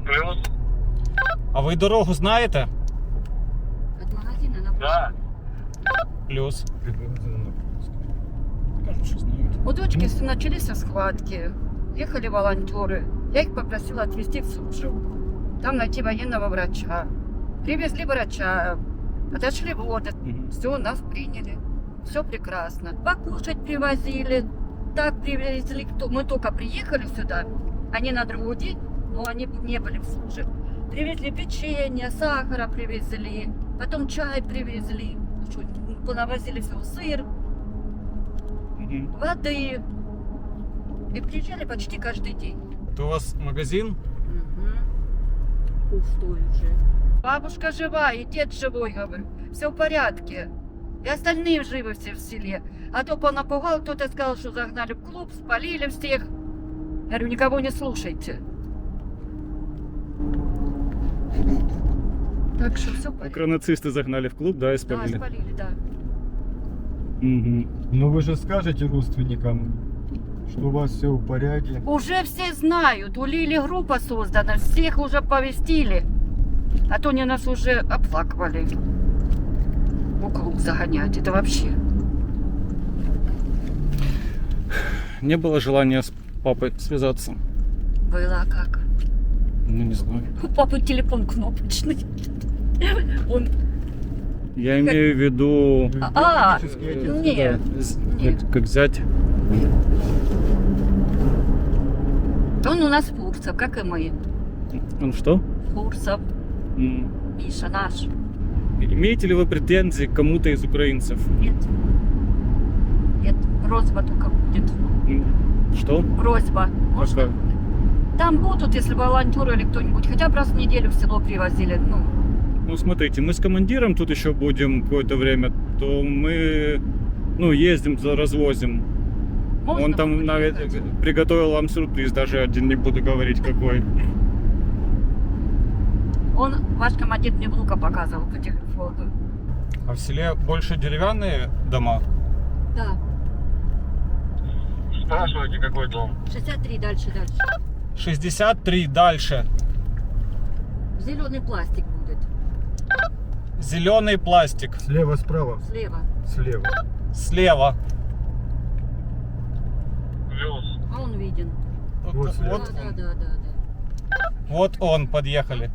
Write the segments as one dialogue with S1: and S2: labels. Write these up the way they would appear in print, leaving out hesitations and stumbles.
S1: Плюс.
S2: А ви дорогу знаєте?
S3: От магазина на
S1: Да.
S2: Плюс. Кажуть, що знають.
S3: У дочки начались схватки. Ехали волонтеры. Я их попросила отвезти в Суджу. Там найти военного врача. Привезли врача. Отошли воды. Все, нас приняли. Все прекрасно. Покушать привозили. Так привезли. Мы только приехали сюда. Они на другой день, но они не были в Суже. Привезли печенье, сахара привезли. Потом чай привезли. Понавозили все, сыр, воды. И приезжали почти каждый день.
S2: Это у вас магазин?
S3: Пустой уже. Бабушка жива, и дед живой, говорю. Все в порядке. И остальные живы все в селе. А то понапугал, кто-то сказал, что загнали в клуб, спалили всех. Я говорю, никого не слушайте. Так что все в порядке.
S2: Нацисты загнали в клуб, да, и
S3: Да,
S2: спалили.
S3: спалили, да.
S4: Ну вы же скажете родственникам, что у вас все в порядке.
S3: Уже все знают, у Лили группа создана, всех уже повестили. А то они нас уже оплакивали. В клуб загонять, это вообще.
S2: Не было желания с папой связаться?
S3: Было а как?
S2: Ну, не знаю.
S3: У папы телефон кнопочный. Он...
S2: Я имею в виду...
S3: Нет. Нет.
S2: Как зять.
S3: Он у нас Фурсов, как и мы.
S2: Он что?
S3: Фурсов, Миша наш.
S2: Имеете ли вы претензии к кому-то из украинцев?
S3: Нет. Нет, просьба только будет.
S2: Что?
S3: Просьба.
S2: Какая?
S3: Там будут, если волонтеры или кто-нибудь, хотя бы раз в неделю в село привозили.
S2: Ну, смотрите, мы с командиром тут еще будем какое-то время, то мы, ездим, развозим.
S3: Можно
S2: Он там
S3: приехать?
S2: приготовил вам сюрприз, даже один не буду говорить какой.
S3: Он, ваш командир, мне внука показывал по телефону.
S2: А в селе больше деревянные дома?
S3: Да,
S1: Спрашивайте, какой дом.
S3: 63 дальше.
S2: 63 дальше.
S3: Зеленый пластик будет.
S2: Зеленый пластик.
S4: Слева, справа,
S3: Слева.
S4: слева.
S2: Слева.
S1: Плюс.
S3: А он виден.
S4: Вот слева.
S3: Да.
S2: Вот он, подъехали.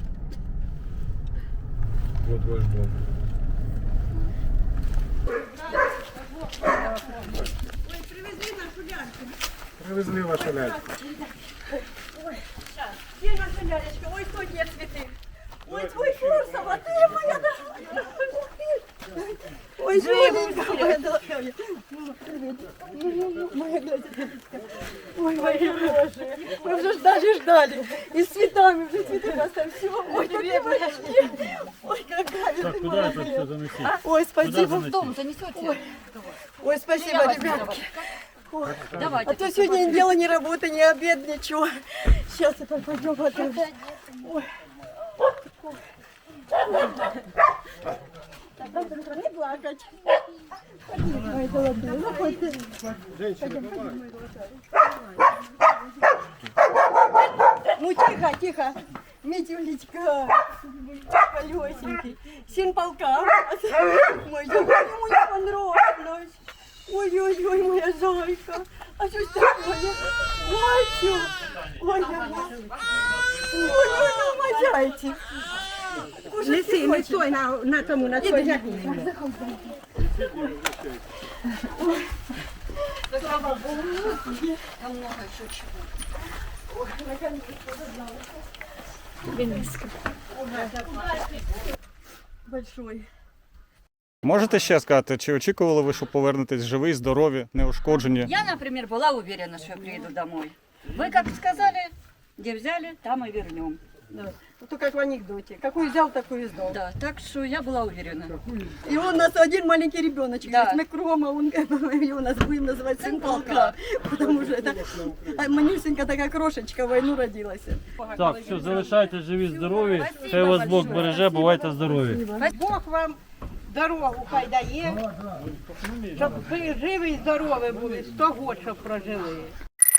S4: Вот ваш дом. Привезли вашу ляльку.
S5: Где наша лялечка? Ой, кто где цветы? Ой, твой Фурсов, а ты моя дорогая. Ой, живенька моя дорогая. Моя глазеточка. Ой, мои боже. Мы уже ждали. И с цветами уже цветы расставили. Все. Ой, какие мальчики. Ой, какая.
S6: Так, куда это все заносить?
S5: Ой, спасибо.
S3: В дом занесете?
S5: Ой, спасибо, ребятки.
S3: Давайте.
S5: А то сегодня ни дела, ни работы, ни обед, ничего. Сейчас это пойдем готовить. Ой. Не плакать. Пойдем, мои золотые. Заходите. Ну тихо. Митюлечка. Колесенький. Сын полка. Мой золотой, ему не понравилось. Ой-ой-ой, моя зайка. А что такое? Мальчик. Ой-ой-ой, мой зайчик.
S7: Неси, не стой на тому, на той жагині.
S3: Слава Богу, там много еще чего.
S5: Большой.
S2: Можете ще сказати, чи очікували ви, що повернетесь живі, здорові, неушкоджені?
S3: Я, например, была уверена, что я приеду домой. Вы как сказали, где взяли, там и вернем.
S5: Да. То как в анекдоте. Какую взял, такую и сдал.
S3: Да, так что я была уверена.
S5: И у нас один маленький ребеночек.
S3: Да.
S5: Да. Мы Крома, он его нас будем называть сын полка. Потому что это Манюсенька такая крошечка, в войну родилась.
S6: Так, все, залишайте живі, здорові. Хай вас Бог береже, бувайте здорові.
S7: Бог вам дорогу хай дає, щоб ви живі і здорові були, 100 років, щоб прожили.